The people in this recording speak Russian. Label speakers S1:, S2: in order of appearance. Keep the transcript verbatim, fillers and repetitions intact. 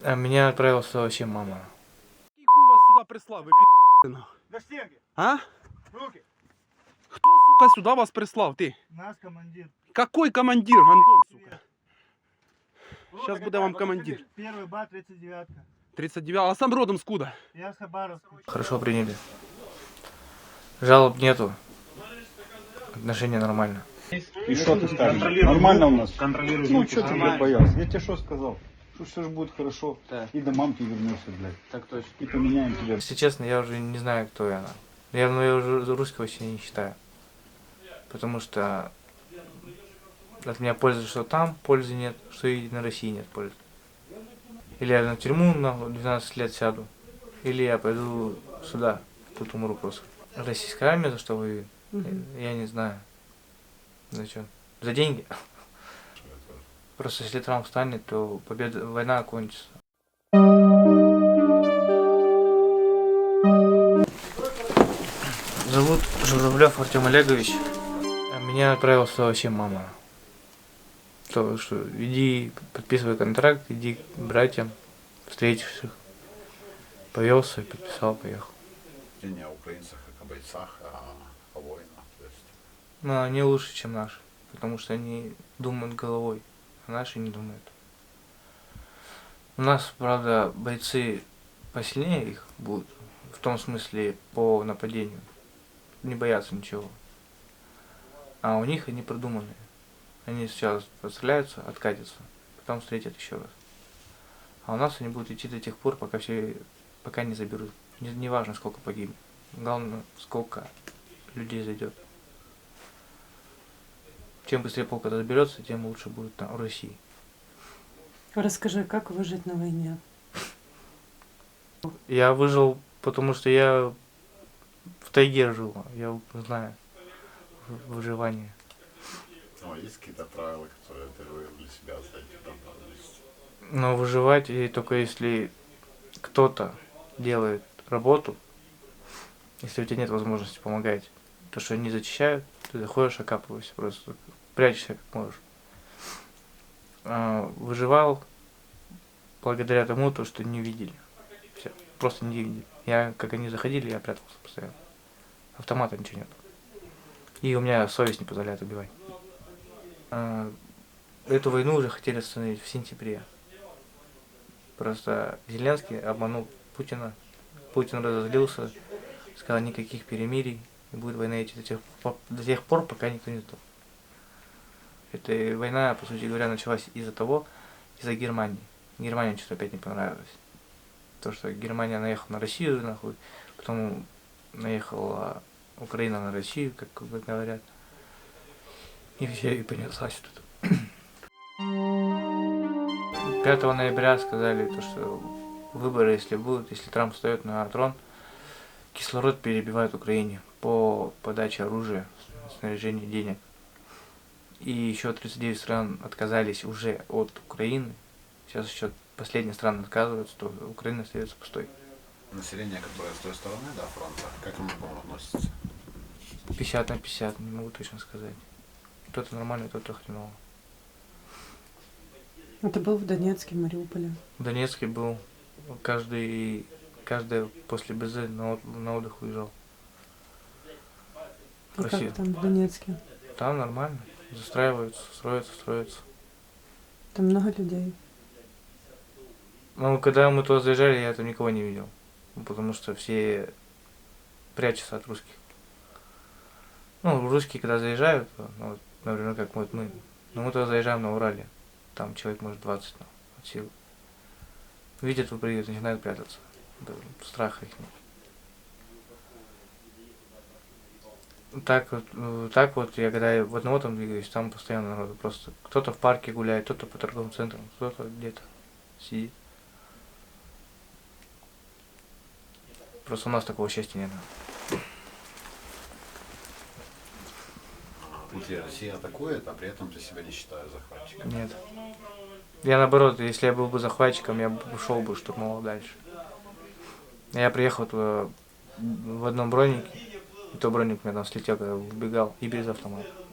S1: А меня отправила сюда вообще мама.
S2: Який хуй вас сюда прислав, ви пі***й?
S3: До стенки.
S2: А?
S3: Руки.
S2: Хто, сука, сюда вас прислав, ти?
S3: Наш командир.
S2: Какой командир, гандон, сука? Сейчас
S3: Руки
S2: буде вам
S3: кидай,
S2: командир.
S3: Первый бат, тридцать девятка.
S2: тридцать девять, а сам родом скуда?
S3: Я с Хабаровска.
S1: Хорошо приняли. Жалоб нету. Отношения нормально.
S4: И что ты скажешь? Нормально у нас?
S3: Контролируй.
S4: Ну, что ты, блядь, боялся? Я тебе что сказал? Что все же будет хорошо.
S1: Да.
S4: И до мамки вернешься, блядь.
S1: Так точно.
S4: И поменяем тебя.
S1: Если честно, я уже не знаю, кто я. Я, ну, я уже русского вообще не считаю. Потому что от меня пользы, что там пользы нет, что и на России нет пользы. Или я на тюрьму на двенадцать лет сяду, или я пойду сюда, тут умру просто. Российская армия за что воюет? Я, я не знаю. За что? За деньги? Просто если Трамп встанет, то победа, война окончится. Зовут Журавлев Артем Олегович. А меня отправила сюда вообще мама. То, что иди, подписывай контракт, иди к братьям, встретишь их. Повелся, подписал, поехал.
S5: Не о украинцах, как о бойцах, а о воинах. То есть.
S1: Но они лучше, чем наши, потому что они думают головой, а наши не думают. У нас, правда, бойцы посильнее их будут, в том смысле по нападению. Не боятся ничего. А у них они продуманные. Они сначала подстреляются, откатятся, потом встретят еще раз. А у нас они будут идти до тех пор, пока все, пока не заберут. Не, не важно, сколько погибнет. Главное, сколько людей зайдет. Чем быстрее полк это заберется, тем лучше будет там, в России.
S6: Расскажи, как выжить на войне?
S1: Я выжил, потому что я в тайге жил. Я знаю выживание.
S5: Ну, а есть какие-то правила, которые ты вывел для себя за эти там пару месяцев?
S1: Но выживать и только если кто-то делает работу, если у тебя нет возможности помогать, то что они зачищают, ты заходишь, окапываешься, просто прячешься как можешь. А, выживал благодаря тому, то, что не видели. Все, просто не видели. Я, как они заходили, я прятался постоянно. Автомата ничего нет. И у меня совесть не позволяет убивать. А, эту войну уже хотели остановить в сентябре. Просто Зеленский обманул Путина. Путин разозлился, сказал никаких перемирий, и будет война идти до тех, до тех пор, пока никто не сдох. Эта война, по сути говоря, началась из-за того, из-за Германии. Германии что-то опять не понравилось. То, что Германия наехала на Россию, нахуй, потом наехала Украина на Россию, как говорят. И все, и понеслась тут. пятого ноября сказали, то, что выборы, если будут, если Трамп встает на трон, кислород перебивает Украине по подаче оружия, снаряжения, денег. И еще тридцать девять стран отказались уже от Украины. Сейчас еще последние страны отказываются, то Украина остается пустой.
S5: Население, которое с той стороны, да, фронта, как оно к вам относится?
S1: пятьдесят на пятьдесят, не могу точно сказать. Кто-то нормальный, кто-то хреново.
S6: А ты был в Донецке, Мариуполе?
S1: В Донецке был. Каждый, каждый после БЗ на, от, на отдых уезжал.
S6: И
S1: Красиво.
S6: как там в Донецке?
S1: Там нормально. Застраиваются, строятся, строятся.
S6: Там много людей.
S1: Ну, когда мы туда заезжали, я там никого не видел. Потому что все прячутся от русских. Ну, русские, когда заезжают, ну, вот, например, как вот мы, ну, мы туда заезжаем на Урале. Там человек может двадцать, ну, от силы. Видят, вы приедут, начинают прятаться. Да, страха их нет. Так вот, так вот, я когда в одного там двигаюсь, там постоянно народу. Просто кто-то в парке гуляет, кто-то по торговым центрам, кто-то где-то сидит. Просто у нас такого счастья нет.
S5: Внутри России атакует, а при этом ты себя не считаешь захватчиком.
S1: Нет. Я наоборот, если я был бы захватчиком, я бы ушел бы, штурмовал дальше. Я приехал туда в одном бронике, и то броник у меня там слетел, когда убегал, и без автомата.